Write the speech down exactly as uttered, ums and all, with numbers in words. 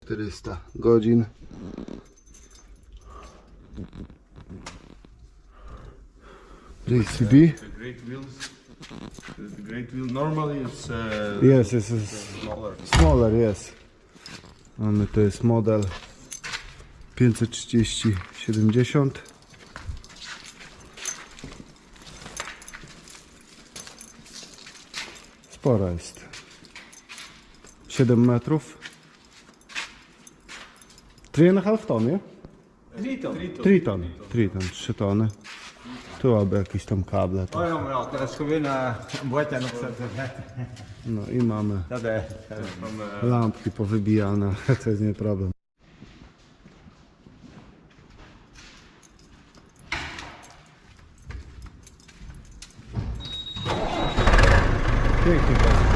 czterysta godzin. J C B. The great wheels. The great wheel normally it's uh, Yes, yes, yes. smaller. Smaller, yes. Mamy, to jest model pięćset trzydzieści siedemdziesiąt. Spora jest. siedem metrów. trzy i pół ton, nie? Triton. trzy ton. trzy ton, trzy tony. Tu aby jakieś tam kable. To. Oh ja, maar ja, dat is gewoon een bootje op zet. No i mamy Dat is. From, uh, lampki powybijane, to jest nie problem. Pięknie.